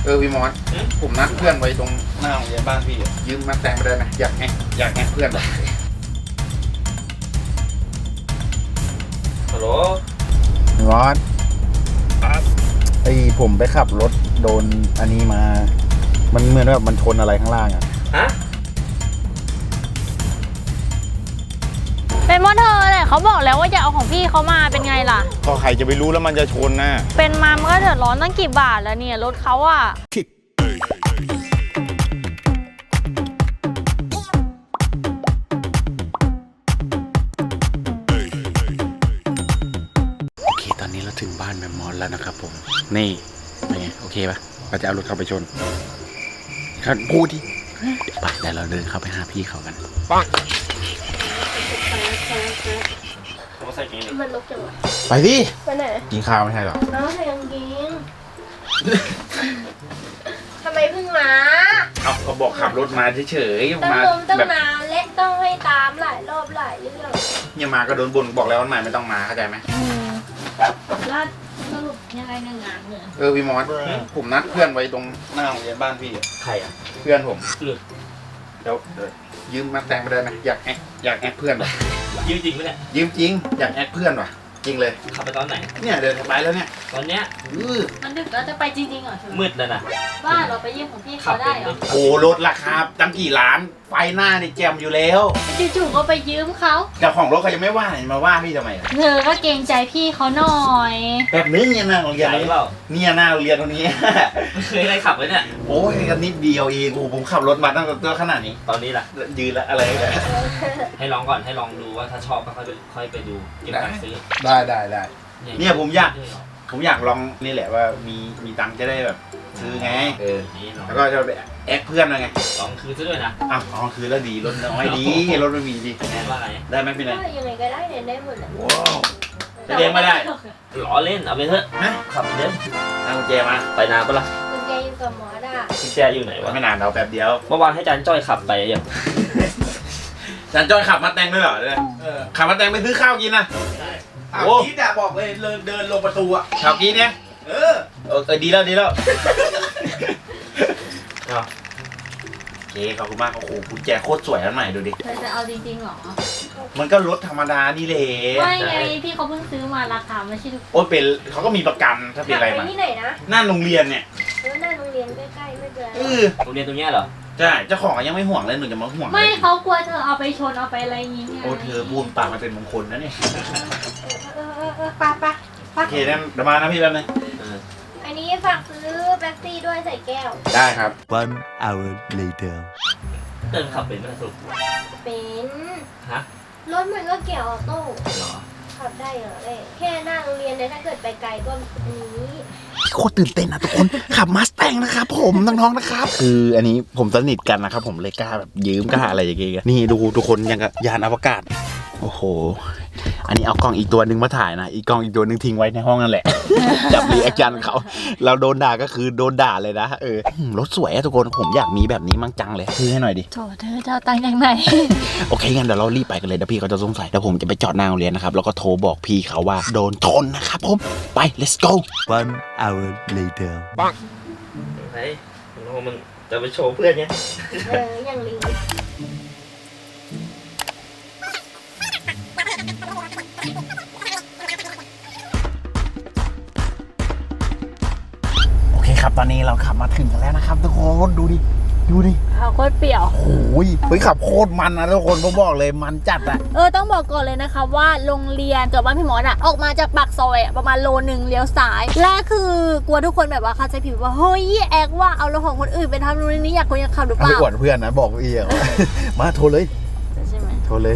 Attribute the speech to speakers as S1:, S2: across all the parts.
S1: พี่มอสผมนัดเพื่อนไว้ตรงหน้าโรงเรียนบ้านพี่ยืมมาแต่งไปได้ไหมอยากแงเพื่อนแบบ
S2: ฮัลโหล
S3: พี่มอสไอผมไปขับรถโดนอันนี้มามันเหมือนแบบมันชนอะไรข้างล่างอ่ะ
S2: ฮะ
S4: เป็นมอเธอแหละเขาบอกแล้วว่าอย่าเอาของพี่เขามาเป็นไงล่ะ
S3: ก็ใครจะไปรู้แล้วมันจะชนน่ะ
S4: เป็นมามันก็เดือดร้อนตั้งกี่บาทแล้วเนี่ยรถเขาอะ
S1: โอเคตอนนี้เราถึงบ้านแมมมอสแล้วนะครับผมนี่เป็นไงโอเคปะเราจะเอารถเข้าไปชนครับพูดดิไปแต่เราเดินเข้าไปหาพี่เขากันปัง
S5: มันลกจังวะ
S1: ไปดิ
S5: ไปไหน
S1: กินข้าวไม่ใช่หรอ
S5: น้องใส่กางเกงทำไมเพิ่งมา
S1: เอาเขาบอกขับรถมาเฉยๆ
S5: ต้อง
S1: มา
S5: ลมต้อง
S1: แบบ
S5: มาเล่นต้องให้ตามหลายรอบหลายเรื่อง
S1: เนี่ยมาก็โดนบ่นบอกแล้ววันใหม่ไม่ต้องมาเข้าใจไหม
S5: แล้วสรุปยังไงงานเนี่ย
S1: พี่มอสผมนัดเพื่อนไว้ตรงหน้าโรงเรียนบ้านพี่
S2: ใครอ่ะ
S1: เพื่อนผม
S2: เดี๋ยว
S1: ยืมมาแต่งไปได้ไหมอยากแอคเพื่อนว่ะ
S2: ยืมจริงไหมเนี่ย
S1: ยืมจริงอยากแอคเพื่อนว่ะจริงเลย
S2: ขับไปตอนไหน
S1: เนี่ยเดินไปแล้วเนี่ย
S2: ตอนเนี้ย
S5: มันดึกแล้วจะไปจริงๆเหรอ
S2: มืดแล้วนะ
S5: บ้านเราไปยืมของพี่เขาได้เหรอ
S1: โอ้รถราคาตั้งกี่ล้านไฟหน้านี่แจ่มอยู่แล้ว
S5: จู่ๆก็ไปยืมเขา
S1: แต่ของรถเขายังไม่ว่ามาว่าพี่ทำไม
S5: เธอก็เกรงใจพี่เขาหน่อย
S1: แบบนี้เนี่ยหน้าโรงเรียนนี้เนี่ยหน้าโรงเรียนตรงนี้
S2: ไม่เคยได้ขับเลยเนี่ย
S1: โอ้ยกันนิดเดียวเองโอ้ผมขับรถมาตั้งแต่ตัวขนาดนี้
S2: ตอนนี้ล่ะ
S1: ยืนแล้วอะไรเลย
S2: ให้ลองก่อนให้ลองดูว่าถ้าชอบก็ค่อยไปดูเก็บตังค์ซื้อ
S1: ได้เนี่ยผมอยากลองนี่แหละว่ามีตังค์จะได้แบบซื้อไงแล้วก็จะไปแอคเพื่อนไง
S2: ลองคืนซะด้วยนะ
S1: อ้าวลองคืนแล้วดีรถน้อยดีรถไม่มีดี
S2: แน่ว่าไง
S1: ได้ไหมพี่นาย
S5: ยังไงก็ได้เนี่ยได้หมดแหละ
S1: ว้าวจะเลี้ยงไม่ได้
S2: ล้อเล่นเอาไปเถอะขับไปเดิน
S1: เอากุญแจมา
S2: ไปนานปะล่ะ
S5: กุญแจอยู่กับหมอด่า
S2: กุญแจอยู่ไหนวะ
S1: ไม่นานเราแป๊บเดียว
S2: เมื่อวานให้จันจ้อยขับไปยัง
S1: จันจ้อยขับมาแต่งด้วยเหรอขับมาแต่งไปซื้อข้าวกินนะโอ้กี้ด่าบอกเลยเดินลงประตูอะข่าวกี้เนี่ยดีแล้วโอเคขอบคุณมากโอ้โหกุญแจโคตรสวยอันใหม่ดูดิ
S5: เธอจะเอาจริงๆหรอ
S1: มันก็รถธรรมดานี่แหละ
S5: ไม่ไงพี่เขาเพิ่งซื้อมาราคาไม่ใช่ถูก
S1: โอ้เป็นเขาก็มีประกันถ้าเป็นอะไรมา
S5: ที่ไหนนะ
S1: หน้าโรงเรียนเนี่ย
S5: หน้าโรงเรียนใกล้ๆไม่เป็นไร
S2: โรงเรียนตรงนี้เหรอ
S1: ใช่เจ้าของยังไม่ห่วงเลยหนูจะมาห่วง
S5: ไม่เขากลัวเธอเอาไปชนเอาไปอะไรอย่างเงี้ย
S1: โอ้เธอบูนปากมันเป็นมงคลนะเนี่ย
S5: ปะ
S1: โอเคนั่นเดี๋ยวมานะพี่แป๊บนึง
S5: อันนี้ฝากซื้อแป๊บซี่ด้วยใส่แก้ว
S1: ได้ครับ
S3: 1 hour later
S2: เดินขับเป็นไหมสุด
S5: เป็น
S2: ฮะ
S5: รถมันก็เกี่ยวออโต้
S2: เหรอ
S5: ขับได้เหรอแค่หน้าโรงเรียนเนี่ยถ้าเกิดไปไกลก็นี้
S1: โคตรตื่นเต้นนะทุกคนขับมาสแตงนะครับผมน้องๆนะครับคืออันนี้ผมสนิทกันนะครับผมเลยกล้าแบบยืมกล้าอะไรอย่างเงี้ยนี่ดูทุกคนยังกับยานอวกาศโอ้โหอันนี้เอากล้องอีกตัวนึงมาถ่ายนะอีกกล้องอีกตัวนึงทิ้งไว้ในห้องนั่นแหละจับรีแอคชั่นเขาเราโดนด่าก็คือโดนด่าเลยนะรถสวยอะทุกคนผมอยากมีแบบนี้มั่งจังเลยซื้อให้หน่อยดิ
S5: โถเธอจะเอาตังค์ยังไง
S1: โอเคงั้นเดี๋ยวเรารีบไปกันเลยเดี๋ยวพี่เขาจะสงสัยเดี๋ยวผมจะไปจอดหน้าโรงเรียนนะครับแล้วก็โทรบอกพี่เขาว่าโดนชนนะครับผมไป let's go
S3: 1 hour later
S2: ปังไหนมันจะไปโชว์เพื่อนเนี่ย
S5: อย่างลิง
S1: ครับตอนนี้เราขับมาถึงกันแล้วนะครับทุกคนดูดิ
S4: เขาโคตรเปรี้ยว
S1: โอ้ยขับโคตรมันนะทุกคนผมบอกเลยมันจัดอะ
S4: ต้องบอกก่อนเลยนะคะว่าโรงเรียนกับบ้านพี่หมอออกมาจากปากซอยประมาณโลนึงเลี้ยวซ้ายและคือกลัวทุกคนแบบว่าเข้าใจผิดว่าเฮ้ยแอกว่าเอารถของคนอื่นไปทำนู่นนี่อยากขับหรือเปล่า
S1: ไม่อวดเพื่อนนะบอกเอียมาโทรเลย
S4: ใช่ไหม
S1: โทรเลย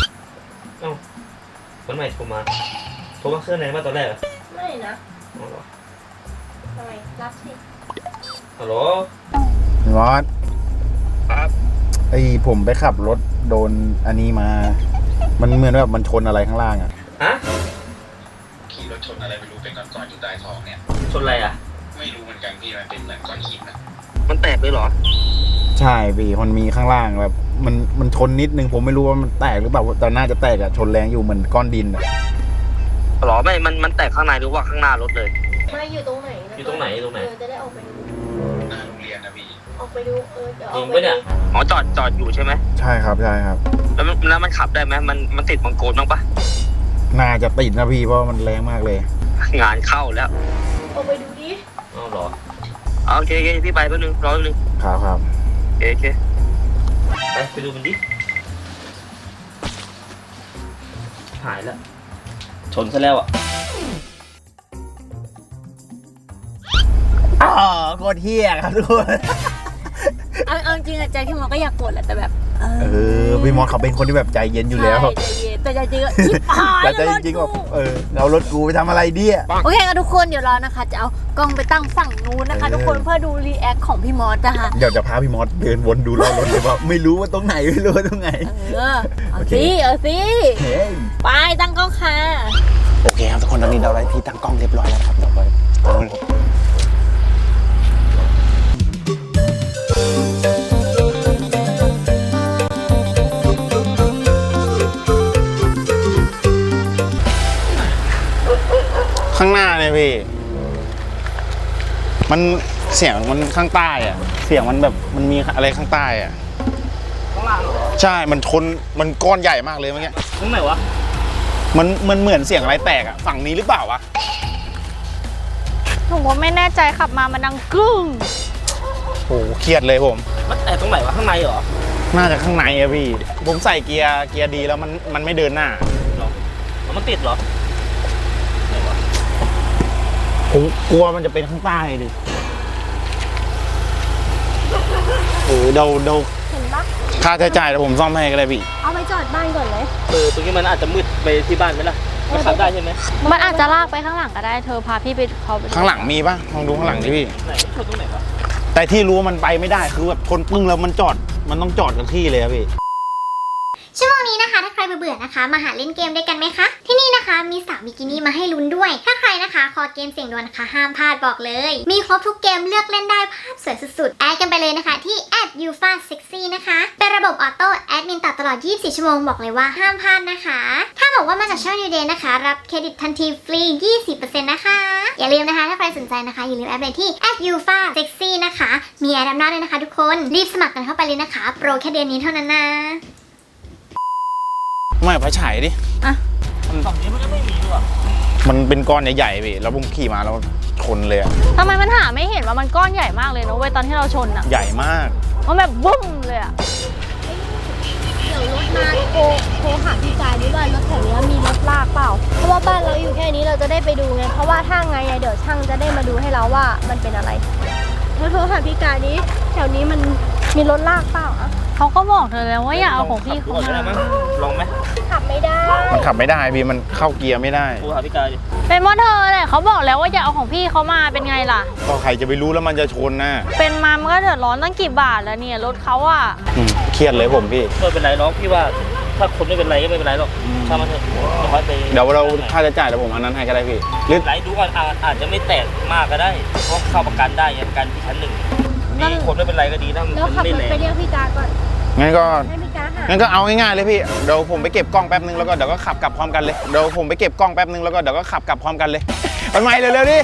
S2: คนใหม่โทรมาเครื่องไหนมาตอนแรกเหรอ
S5: ไม่นะทำไมรับสิ
S2: ฮัลโหล
S3: มอสครับผมไปขับรถโดนอันนี้มามันเหมือนแบบมันชนอะไรข้างล่างอ่ะ
S1: ขี่รถชนอะไรไม่รู้เป็นก้อนๆอยู่ใต้ท้องเนี่ย
S2: ชนอะไรอ่ะ
S1: ไม่รู้เหมือนกันพี่มันเป็นเหมือนก้อนหินนะ
S2: มันแตกเลยเหรอ
S3: ใช่พี่มันมีข้างล่างแบบมันชนนิดนึงผมไม่รู้ว่ามันแตกหรือเปล่าแต่น่าจะแตกอะชนแรงอยู่เหมือนก้อนดินอะ
S2: หรอไม่มันแตกข้างในหรือว่าข้างหน้ารถเลย
S5: ไม่อยู่ตรงไหน
S2: อยู่ตรงไหน
S5: จะได้ออกไปดูไปดูเดี๋ยวอ
S2: จ
S5: อ
S2: ริ
S5: ก
S2: ง
S5: ไป
S2: ปะเนี่ย
S5: ดู
S2: อ๋อจอดอยู่ใช่ไหม
S3: ใช่ครับใช่ครับ
S2: แล้วมันขับได้ไหมมันติดบังโกนบ้างปะ
S3: น่าจะติดนะพี่เพราะมันแรงมากเลย
S2: งานเข้าแล้ว
S5: ออกไปดูดิ
S2: อ๋อเหรอโอเคพี่ไปแป๊บนึงรอแป๊บนึง
S3: ครับ
S2: โอเคไปดูมันดิหายแล้วชนซะแล้วอ่ะ
S3: อ๋อโคตรเฮี้ยครับทุกคน
S4: เอาจริงๆอะใจพี่มอสก็อยากกดแหละแต่แบบ
S3: พี่มอสเขาเป็นคนที่แบบใจเย็นอยู่แล้ว
S4: ใช่ใจเย็นแต่ใจจริงก็ชิบหาย
S3: แต่ใจ
S4: แล้ว
S3: จริงๆ
S4: ร
S3: แบ
S4: ถ
S3: บ
S4: กู
S3: เอารถกูไปทำอะไรเดี่ย
S4: โอเคค่ะทุกคนเดี๋ยวเรานะคะ จะเอากล้องไปตั้งฝั่งนู้นนะคะ ทุกคนเพื่อดูรีแอคของพี่มอสนะคะ
S3: เดี๋ยวจะพาพี่มอสเดินวนดูรอบรถเลยว่าไม่รู้ว่าตรงไหนไม่รู้ว่าตรงไหน
S4: เอา
S3: โอเค
S4: สิเอาสิ
S3: เฮ้ย
S4: ไปตั้งกล้องค่ะ
S1: โอเคครับทุกคนตอนนี้เราได้ที่ตั้งกล้องเรียบร้อยแล้วครับเดี๋ยวไปข้างหน้าเนี่ยพี่ มันเสียงมันข้างใต้อะเสียงมันแบบมันมีอะไรข้างใต้อะ
S2: ข้างล่างเหรอ
S1: ใช่มันชนมันก้อนใหญ่มากเลยเมื่อกี้
S2: ตรงไหนวะ
S1: มันเหมือนเสียงอะไรแตกอะฝั่งนี้หรือเปล่าวะ
S4: ผมก็ไม่แน่ใจขับมามันดังกึ้ง
S1: โอ้โหเครียดเลยผม
S2: มันแต่ตรงไหนวะข้างในเหรอ
S1: น่าจะข้างในอะพี่ ผมใส่เกียร์ดีแล้วมันไม่เดินหน้า
S2: เหรอแล้วมันติดเหรอไหนวะ
S1: ผมกลัวมันจะเป็นข้างใต้ดิเดา
S5: เห็นปะ
S1: ค่าใช้จ่ายเดี๋ยวผมซ่อมให้ก็ได้พี่
S5: เอาไปจอดบ้านก่อนเลย
S2: ตรงนี้มันอาจจะมืดไปที่บ้านไหมล่ะมันขับได้ใช่ไหม
S4: มันอาจจะลากไปข้างหลังก็ได้เธอพาพี่ไปเขาไป
S1: ข้างหลังมีปะลองดูข้างหลังดิพี่
S2: ไหนชนตรงไหนวะ
S1: แต่ที่รู้ว่ามันไปไม่ได้คือแบบคนปึ้งแล้วมันต้องจอดกับที่เลยอะพี่
S6: ชั่วโมงนี้นะคะถ้าใครเบื่อๆนะคะมาหาเล่นเกมด้วยกันไหมคะที่นี่นะคะมีสาวบิกินี่มาให้ลุ้นด้วย ถ้าใครนะคะคอเกมเสียงดวลนะคะห้ามพลาดบอกเลย มีครบทุกเกมเลือกเล่นได้ภาพสวยสุดๆแอดกันไปเลยนะคะที่ @UFASexy นะคะเป็นระบบออโต้แอดมินตัดตลอด 24 ชั่วโมงบอกเลยว่าห้ามพลาดนะคะถ้าบอกว่ามาจากช่อง New Day นะคะรับเครดิตทันทีฟรี 20% นะคะอย่าลืมนะคะถ้าใครสนใจนะคะอย่าลืมแอดไปที่ @UFASexy นะคะมีแอดดับหน้าด้วยนะคะทุกคนรีบสมัครกันเข้าไปเลยนะคะโปรแค่เดือนนี้เท่านั้นนะ
S1: ไม่ไปฉายดิ
S2: ฝั่งนี้มันก็ไม่มีด้วย
S1: มันเป็นก้อนใหญ่ๆพี่แล้วผมขี่มาแล้วชนเลยอะ
S4: ทำไมมันหาไม่เห็นว่ามันก้อนใหญ่มากเลยนะเว้ยตอนที่เราชนอ่ะ
S1: ใหญ่มาก
S4: มันแบบบุ้มเลยอ่ะ
S5: เดี๋ยวรถมาโทรหาพี่กายด้วยว่ารถแถวนี้มีรถลากเปล่า เพราะว่าบ้านเราอยู่แค่นี้เราจะได้ไปดูไง เพราะว่าถ้าไงเดี๋ยวช่างจะได้มาดูให้เราว่ามันเป็นอะไรโทรหาพี่กายนี้แถวนี้มันมีรถลากเปล่าอะ
S4: เขาก็บอกเธอแล้วว่าอย่าเอาของพี่
S2: ขับ
S4: เขา
S2: ดูก่อนก็ได้
S4: มา
S2: มั้งลองไหม
S5: ขับไม่ได้
S1: มันขับไม่ได้พี่มันเข้าเกียร์ไม่ได้
S2: กูหาพี่กายดิ
S4: เป็นเพราะเธอแหละเขาบอกแล้วว่าอย่าเอาของพี่เขามาเป็นไงล่ะ
S1: ก็ใครจะไปรู้แล้วมันจะชนนะ
S4: เป็นมามันก็เดือดร้อนตั้งกี่บาทแล้วเนี่ยรถเขาอ่ะ
S1: เครียดเลยผมพี่
S2: ไม่เป็นไรหรอกพี่ว่าถ้าคนไม่เป็นไรก็ไม่เป็นไรหรอกช่างมันเถอะเดี๋ยวค่อยไป
S1: เดี๋ยวเราค่าใช้จ่ายเดี๋ยวผมอันนั้นให้ก็ได้พี่หรือ
S2: ไหลดูก่อนอาจจะไม่แตกมากก็ได้เพราะเข้าประกันได้ไงประกันที่ชั้นหนึ่งนี่คนไม่เป็นไรก็ดีนะ
S5: แล้ว
S2: มัน
S5: ขับ
S2: ไม่
S5: ร
S2: แร
S5: ถ
S2: ง
S5: ไปเรียกพี่กายก่อน
S1: งั้นก็
S5: ให้พี่กายหา
S1: งั้นก็เอาง่ายๆเลยพี่เดี๋ยวผมไปเก็บกล้องแป๊บนึงแล้วก็เดี๋ยวก็ขับกลับพร้อมกันเลยเดี๋ยวผมไปเก็บกล้องแป๊บนึงแล้วก็เดี๋ยวก็ขับกลับพร้อมกันเลยมันไม่เร็วๆดิ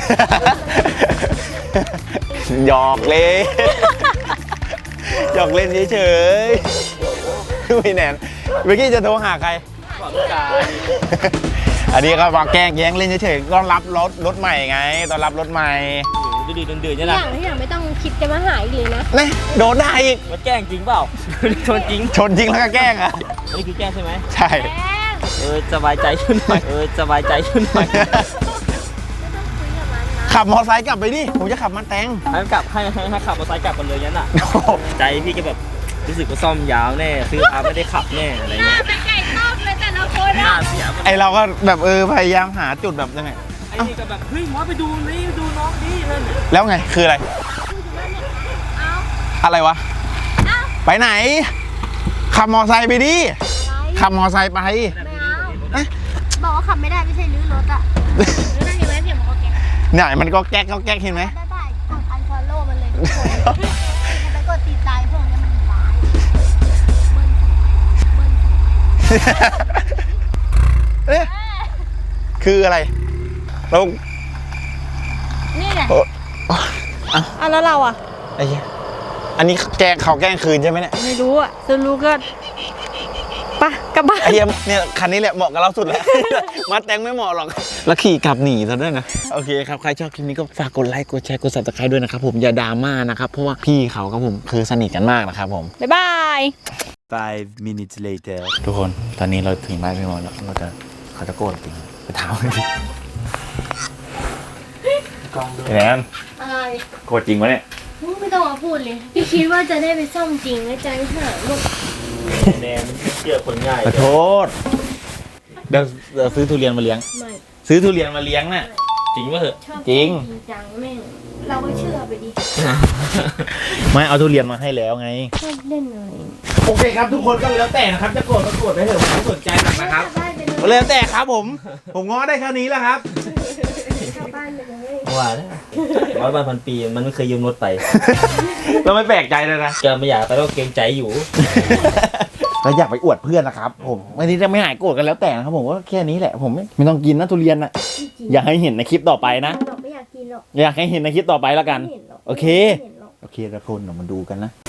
S1: หยอกเล่นหยอกเล่นเฉยๆไม่แน่นเมื่อกี้จะโทรหาใคร
S2: พี่กาย
S1: อันนี้ก็มาแกล้งแย้งเล่นเฉยๆต้อนรับรถใหม่ไงต้อนรับรถใหม่
S2: ดูดีเดือดๆ
S5: ทุ
S2: เนี่ย
S5: กอ
S2: นะ
S5: ย่างทุกอย่างไม่ต้องคิดจะมาหาอีกเลยนะ
S1: นี่โดนได้อีก
S2: มันแกล้งจริงเปล่า ชนจริง
S1: ชนจริงแล้วก็แกล้งอ่ะ
S2: อันนี้คือแกล้งใช่ไหม
S1: ใช่
S2: สบายใจขึ้นหน่อยสบายใจขึ้นหน่อย
S1: ขับมอไซค์กลับไปดิผมจะขับมาแตง
S2: ให้กลับให้ขับมอเตอร์ไซค์กลับกันเลยงั้นอ่ะ ใจพี่ก็แบบรู้สึกว่าซ่อมยาวแน่ซื้อพาไม่ได้ขับแน่อะไรเงี้ย
S5: เป็นไก่ต้มเลยแต่ละคน
S2: หน้าเสียหมด
S1: ไอเราก็แบบพยายามหาจุดแบบยังไง
S2: ไอ้นี่ก็แบบเฮ้ยหมอไปดูนี่ดูน้องนี่นั่น
S1: แล้วไงคืออะไร อะไรวะ ไปไหน ขับมอไซค์ไปดิขับมอไซค์ไป
S5: บอกว่าขับไม่ได้ไม่ใช่ลื้อรถอะลื้อนั่นอยู่ไหมเสียงมันก็แก๊ก
S1: เนี่ยมันก็แก๊กเห็นไหม
S5: ได้กดอันฟอลโล่มันเลยทุกคนไปกดติดใจพวกนี้มันร้ายเบิ้ล
S1: เอ๊ะคืออะไรเรา
S4: นี่ไง
S1: โอ้
S4: อ่ะแล้วเราอ่ะ
S1: ไอ้เหี้ยอันนี้แกล้งเขาแกล้งคืนใช่ไหมเนี่ย
S4: ไม่รู้อ่ะจะรู้ก็ไปกลับบ้าน
S1: ไอ้เหี้ยเนี่ยคันนี้แหละเหมาะกับเราสุดแล้ว มาแต่งไม่เหมาะหรอกแล้วขี่กลับหนีซะด้วยนะโอเคครับใครชอบคลิปนี้ก็ฝากกดไลค์กดแชร์กด Subscribe ด้วยนะครับผมอย่าดราม่านะครับเพราะว่าพี่เขาครับผมคือสนิทกันมากนะครับผม
S4: บ๊ายบาย
S3: 5 minutes later
S1: ทุกคนตอนนี้เราถึงบ้านพี่มอสแล้วเขาจะโกรธจริงไปถามกันดิแอน
S5: อะไร
S1: โกรธจริงวะเนี่ย
S5: ไม่ต้องมาพูดเลย พี่คิดว่าจะได้ไปซ่อมจริงแล้วใจหายหมด
S2: แนนเชื่อคนง่าย
S1: ขอโทษเดี๋ยวซื้อทุเรียนมาเลี้ยง
S5: ไม่
S1: ซื้อทุเรียนมาเลี้ยงน่ะ
S2: จริงป่ะเหอะ
S5: ชอบ
S1: จริง
S5: จังแม่งเราก็เชื่อไปดิ
S1: ไม่เอาทุเรียนมาให้แล้วไง
S5: ชอบเล่นอะไร
S1: โอเคครับทุกคนก็แล้วแต่นะครับจะโกรธก็โกรธได้เถอะผมไม่สนใจหรอกนะครับ
S5: บ้านไปเลย
S1: แล้วแต่ครับผมง้อได้แค่นี้แล้วครับ
S5: ชาวบ้านไปเลย
S2: ว่าแล้ว100 ปีมันไม่เคยยืมรถไป
S1: เราไม่แปลกใจเลยนะ
S2: แกไม่อยากไปก็เกรงใจอยู่
S1: เราอยากไปอวดเพื่อนนะครับผมวันนี้จะไม่หายโกรธกันแล้วแต่นะครับผมก็แค่นี้แหละผมไม่ต้องกินนะทุเรียนนะอยากให้เห็นในคลิปต่อไปนะ
S5: เราไม่อยากกินหรอก
S1: อยากให้เห็นในคลิปต่อไปแล้วกัน
S5: ไม่เห็นหรอก
S1: โอเค
S5: ไม่เห็นหรอก
S1: โอเคทุกคนเดี๋ยวมาดูกันนะ